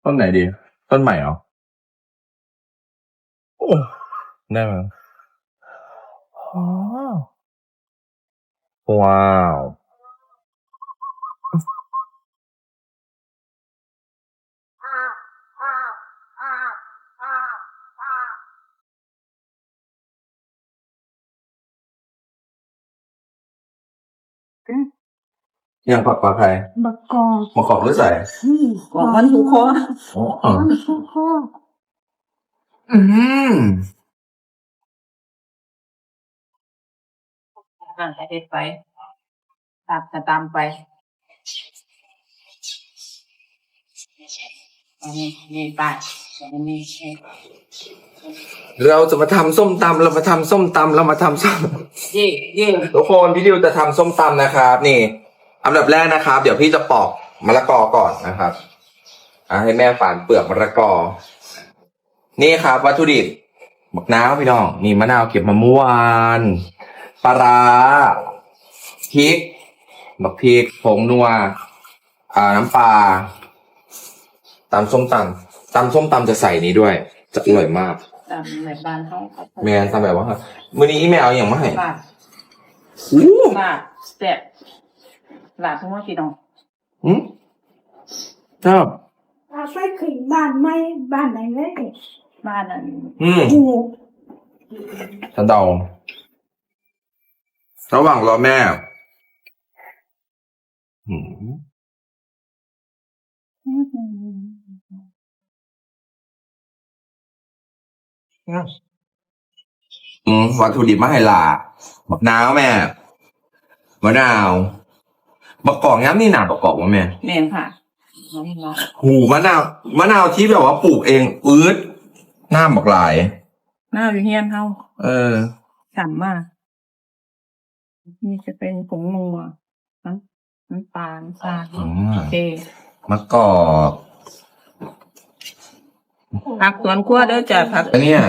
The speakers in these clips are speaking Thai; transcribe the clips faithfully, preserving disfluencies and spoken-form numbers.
ต้นไหนดีต้นใหม่เหรอโอ้ได้ไหมอ๋อว้าวยังผักปลาไทยบักกอกมะกอกหรือใส่อืมกอกมันถูกคออ๋อมันทุกข้ออืมอ่าเด็ดไปตัดจะตามไปอันนี้นี่ไปอันนี้เราจะมาทำส้มตำเรามาทำส้มตำเรามาทำส้มเย่เย่ทุกคนพี่ดิวจะทำส้มตำนะครับนี่อันดับแรกนะครับ เดี๋ยวพี่จะปอกมะละกอก่อนนะครับอ่ะให้แม่ฝานเปลือกมะละกอ นี่ครับวัตถุดิบบักน้าวพี่น้องนี่มะนาวเก็บมาเมื่อวานปลาร้าพริกบักพริกผงนัวอ่าน้ำปลาตำส้มตำตำส้มตำจะใส่นี้ด้วย จะอร่อยมากตามแบบบ้านเขาครับแม่ทำแบบว่ามื้อนี้อีแมวอย่างมาให้ลาดอู้ลาดแซ่บลาดทั้งหมดพี่น้องอืมชอบอาไปขึ้นบ้านไม่บ้านไหนเลยบ้านนั้นอืมกูฉันเดาระหว่างรอแม่อืมอืมวัตถุดิบมาให้หล่าบักนาวแม่มะนาวบักกอกย้ำนี่หนาบักกอกวะแม่แม่นค่ะน้องลาดหูมะนาวมะนาวที่แบบว่าปลูกเองอืดหน้าบักหลายหน้าอยู่เฮียนเขาเออฉ่ำมากนี่จะเป็นผงนัวน้ำน้ำตาลน้ำตาลอืมโอเคมะกอกผักสวนครัวเด้อจ้ะผักอันเนี้ย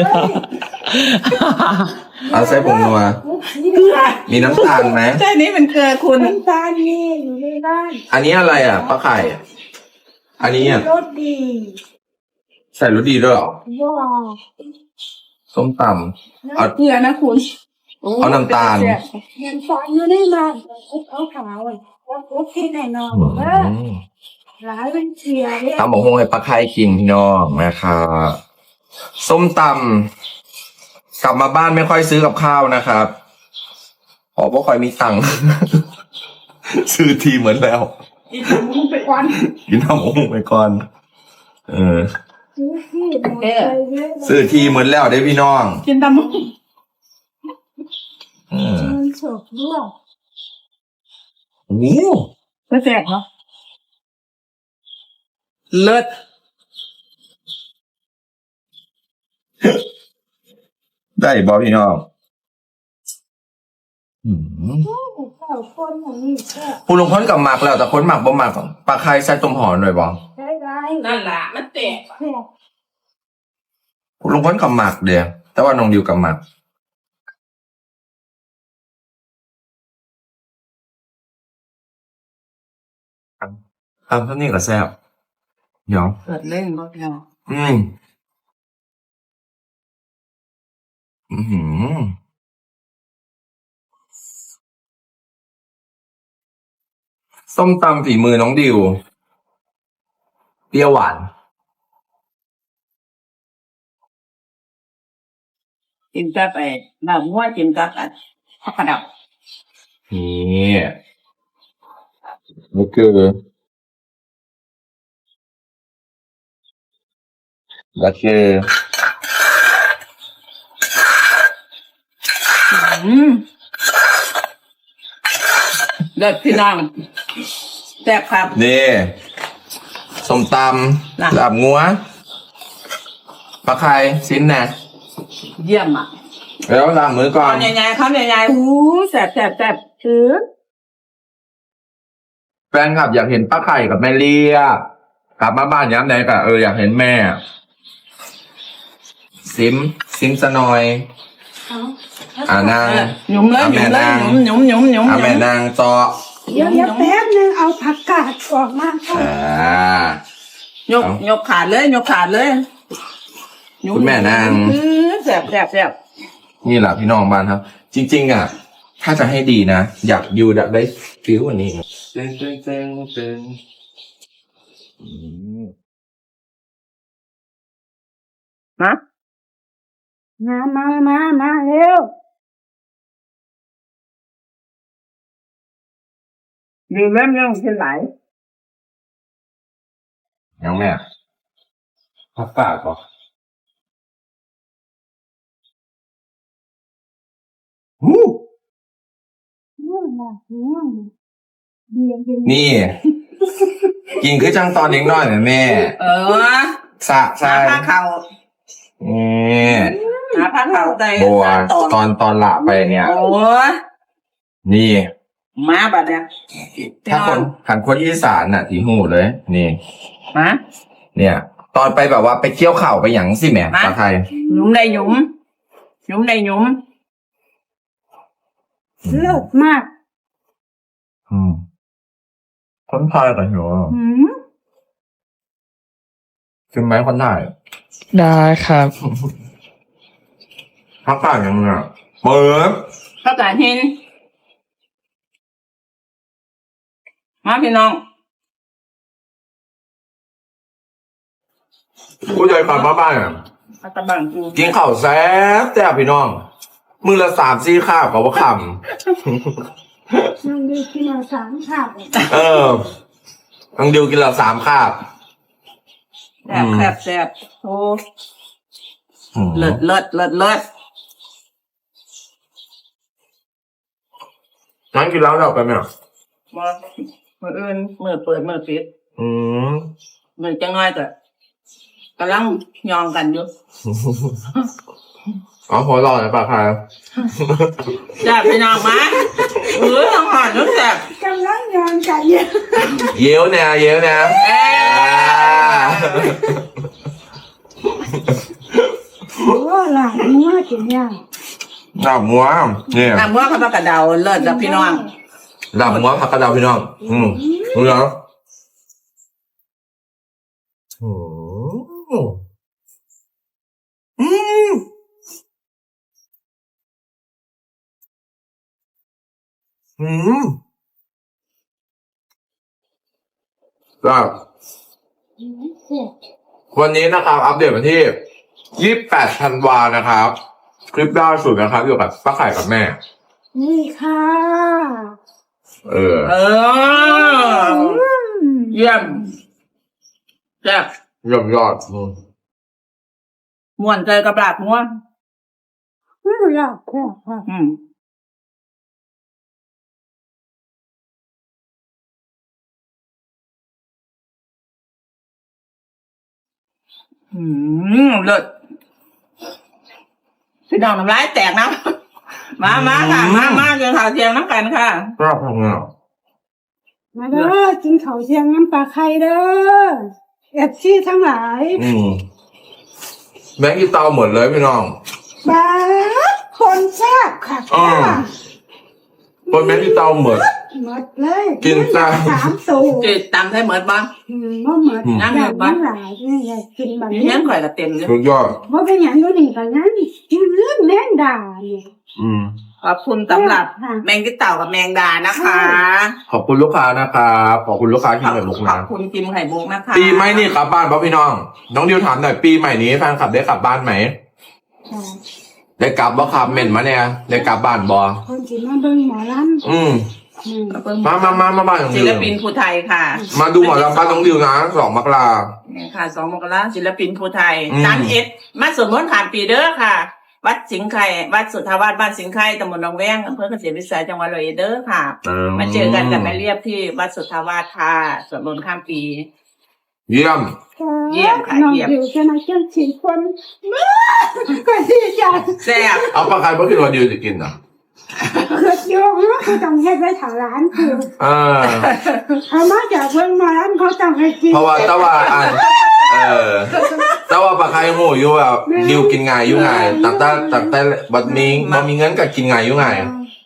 เอาใส่ผงนัวมีน้ำตาลไหมใช่นี่มันเกลือคุณน้ำตาลนี่อยู่ในบ้านอันนี้อะไรอ่ะปลาไข่อันนี้อ่ะรสดีใส่รสดีด้วยเหรอว้าวส้มตำเอาเกลือนะคุณเอาน้ำตาลเงินฟอนอยู่ในบ้านเอาขาวไว้แล้วโอเคแน่นอนอืเออมหลายเป็นเชียร์เนี่ยตำบอกฮงให้ปลาไข่คิงพี่น้องนะครับส้มตำกลับมาบ้านไม่ค่อยซื้อกับข้าวนะครับเพราะว่าค่อยมีตังค์ ซื้อทีเหมือนแล้วอีกมึงไปวันกินน้ำองไปก่อน เออซื้อที่หมดไปเยอะซื้อทีเหมือนแล้วได้พี่น้องกินตำมึงเออเงินสดด้วยโอ้โหไม่แซ่บเนาะเลิศได้บอพี่น้องอืมเจ้าคนอย่างนี้แค่คุณลุงพ้นกับหมักแล้วแต่คนหมักบ่หมักปลาไข่ใส่ต้มหอมหน่อยบอใช้ได้นั่นล่ะมันแตกแค่คุณลุงพ้นกับหมักเดียวแต่ว่าน้องดิวกับหมักทำเท่านี้ก็แซ่บเดี๋ยวเกิดเล่นบ่เนาะอืมอือหือส้มตำฝีมือน้องดิวเปรี้ยวหวานกินกับไอ้น้ำหัวกินกับอันผักกระดับนี่นี่คือแล้วคืออืมเด็ดพี่น้องแซ่บครับนี่ส้มตน่ะำลาบงัวปลาไข่ชิ้นนะเยี่ยมอ่ะแล้วล้างมือก่อนคำใหญ่ๆคำใหญ่ๆอู้แซ่บแซ่บแซ่บคือแฟนคลับอยากเห็นป้าไข่กับแม่เลียกลับมาบ้านย้ำไหนกะเอออยากเห็นแม่ ซิมซิมสนอยเอาอ่านางหยุมเลยหยุมเลยหยุมหยุมหยุมหยุมอ่าแม่นางจอเดี๋ยวเดี๋ยวแป๊บนึงเอาผักกาดออกมาก่อนอ่าหยกยกขาดเลยยกขาดเลยยกคุณแม่นางอื้อแสบแสบแสบนี่แหละพี่น้องบ้านครับ จริง ๆ อ่ะ ถ้าจะให้ดีนะ อยากอยู่แบบได้ฟิลวันนี้เต้นเต้นเต้นเต้นอืมนะมามามามาเร็วดีเล่มยังเป็นไหลยังแม่พักปากก่อนหูง่วงนะง่วงเบียร์เย็นนี่ กินคือจังตอนเล็กน้อยนะแม่เออสะใช่หาผ้าเข่านี่หาผ้าเข่าใจบัวตอนตอนตอนหลับไปเนี่ยโอ้ยนี่มาบัดเนี่ยถ้าคนหันคนอีสานน่ะถีหูเลย นี่มาเนี่ย ตอนไปแบบว่าไปเที่ยวเข่าไปหยังสิแหม่มาปลาไทยหยุมได้หยุมหยุมได้หยุมเลิศมากอืมคนไทยกันเหรอหืมใช่ไหมคนไทยได้ครับพักปากยังไงอะเปิดพระกาศหินมาพี่น้องผู้ใหญ่ขับมาบ้านอ่ะมาตะบังกูกินข้าวแซ่บแซ่บพี่น้อง มือละสามสี่ข้าวกับว่าคน้องดีกินมาสามข้าวำ เออน้องดิวกินละสามข้าวแซ่บแซ่บแซ่บโอ้อืมเลิศเลิศเลิศเลิศนั่งกินแล้วเราไปไหมอ่ะมามืออื่นมือเปิดมือปิดอืมมือจะง่ายแต่กำลังยองกันอยู่อ๋อหัวเรอนะปลาคายแซ่บพี่น้องมาเออทางหอนนึกแซ่บกำลังยอนกันอยู่เย้วแนวเย้วแนวเอ้โอ้หลานงัวกินย่างหลับหัวเนี่ยน้ำว่าเขาประกระเดาเลิศจ้ะพี่น้องหลับหัวผักกระเดาพี่น้อง อืมรู้แล้วโอ้โหอืมอืมก็เสียวันนี้นะครับ อัปเดตวันที่ยี่สิบแปดธันวานะครับ คลิปล่าสุดนะครับเกี่ยวกับป้าไข่กับแม่นี่ค่ะเออเอออืมเยี่ยมแซ่บยอดยอดอืมม่วนใจกับหลาบม่วนอืมอยากแค่ค่ะอืมอืมเลิศพี่น้องน้ำลายแตกนะ มามาค่ะ มามากินข้าวเที่ยงน้ำกันค่ะชอบทำงานมาเด้อกินข้าวเชียงน้ำปลาไข่เด้อเอฟซีทั้งหลายอืมแบงค์กีเตาหมดเลยพี่น้องบ้าคนแซ่บค่ะอ้อ คนแบงค์กีเตาหมดหมดเลยกินจ้าสามสูจืดตำให้เหมือนบ้างอืมบ่หมดอืมอยากทั้งหลายนี่อยากกินแบบนี่นี้ยังข่อยกับเต็มเลยสุดยอดเพราะเป็นอย่างนู้นนี่ก็งั้นกินเรื่องแม่งด่าเนี่ยอืมขอบคุณสำหรับค่ะแมงกิเต่ากับแมงดานะคะขอบคุณลูกค้านะครับขอบคุณลูกค้าที่ขอบเหมือนลูกขอนะบคุณกิมไข่มุกนะคะปีใหม่นี่กลับบ้านป่ะพี่น้อง น้องดิวถามหน่อยปีใหม่นี้แฟนคลับได้กลับบ้านไหมค่ะได้กลับบ่ครับเหม็นมาเนี่ยได้กลับบ้านบ่คนที่มาเบิ่งหมอลอืมำอืมมามามามาบ้านน้องศิดิวลปินภูไทยค่ะมาดูหมอลำบ้านน้องดิวนะสองมกรานี่ค่ะสองมกราศิลปินภูไทยอืมสามเอ็ดมาสวดมนต์ขามปีเด้อค่ะ วัดสิงห์ไข่วัดสุทธาวาสบ้านสิงห์ไข่ตำบลหนองแวงอำเภอเกษตรวิสัยจังหวัดร้อยเอ็ดเด้อค่ะ มาเจอกันกับแม่เรียบที่วัดสุทธาวาสค่ะสวดมนต์ข้ามปีเยี่ยมเยี่ยมค่ะน้องเยี่ยมดิวจะมาเจ้าสี่คนก็ดีใจแซ่บเอาปลาไข่เมื่อคืนวันดิวจะกินเหรอเกิดโยงเขาต้องให้ไปถาร้านคือเออเอามาจากเบิ่งหมอลำเขาต้องให้กินเพราะว่าแต่ว่าอันเออแต่ว่าปลาไข่โง่อยู่แบบดิวกินง่ายอยู่ง่ายตั้งแต่ตั้งแต่บัดมีบ่มีเงินก็กินง่ายอยู่ง่ายม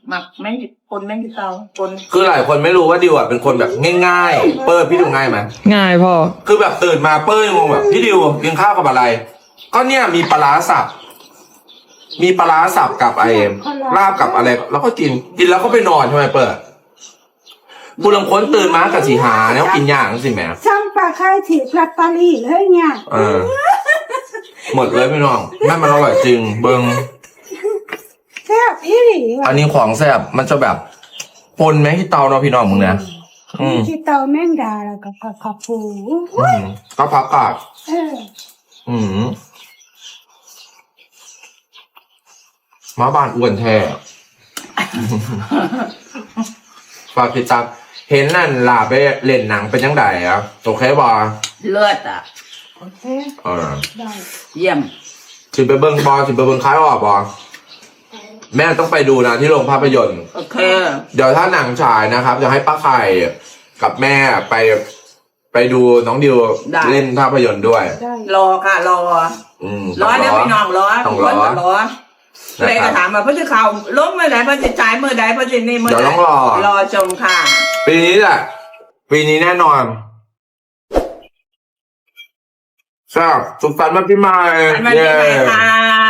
หมักแม่งคนแม่งที่เตาคนคือหลายคนไม่รู้ว่าดิวอ่ะเป็นคนแบบง่ายๆ เปิ้ลพี่ดูง่ายไหมง่ายพ่อคือแบบตื่นมาเปิ้ลงงแบบพี่ดิวกินข้าวกับอะไร ก็เนี่ยมีปลาร้าสับ มีปลาร้าสับกับไอ้ลาบกับอะไร แล้วก็กิน กินแล้วก็ไปนอนใช่ไหมเปิ้ลผู้ลังค้นตื่นมากับสีหาแล้วกินอย่างสิแหม่ซ้ำปลาไข่ถีบลอตเตอรี่เลยเนี่ยเออ หมดเลยพี่น้องแม่มันอร่อยจริง เบิงแซ่บอีหลีว่ะอันนี้ของแซ่บมันจะแบบปนแมงที่เตาเนาะพี่น้องมึงนะอืมที่เตาแมงดาแล้วก็ผักขอบปูอืมก็พักกาดเอออืมมาบ้านอ้วนแท้ ฝากติดตามเห็นนั่นลาไปเล่นหนังเป็นยังไงอ่ะโอเคบอเลือดอ่ะโอเคเออได้เยี่ยมสิไปเบิ้งบอสิไปเบิ้งคล้ายออกบอแม่ต้องไปดูนะที่โรงภาพยนตร์โอเคเดี๋ยวถ้าหนังฉายนะครับจะให้ป้าไข่กับแม่ไปไปดูน้องดิวได้เล่นภาพยนตร์ด้วยได้รอค่ะรออืมรอเดี๋ยวพี่น้องรอต้องครอนก็รอเลยก็ถามว่าเพื่อจะข่าวลงเมื่อไหร่เพื่อจะจ่ายเมื่อใดเพื่อจะนี่เมื่อเดี๋ยวไหร่ต้องรอรอชมค่ะปีนี้แหละปีนี้แน่นอนทราบสุขสันต์วันปีใหม่สวัสดีค่ะ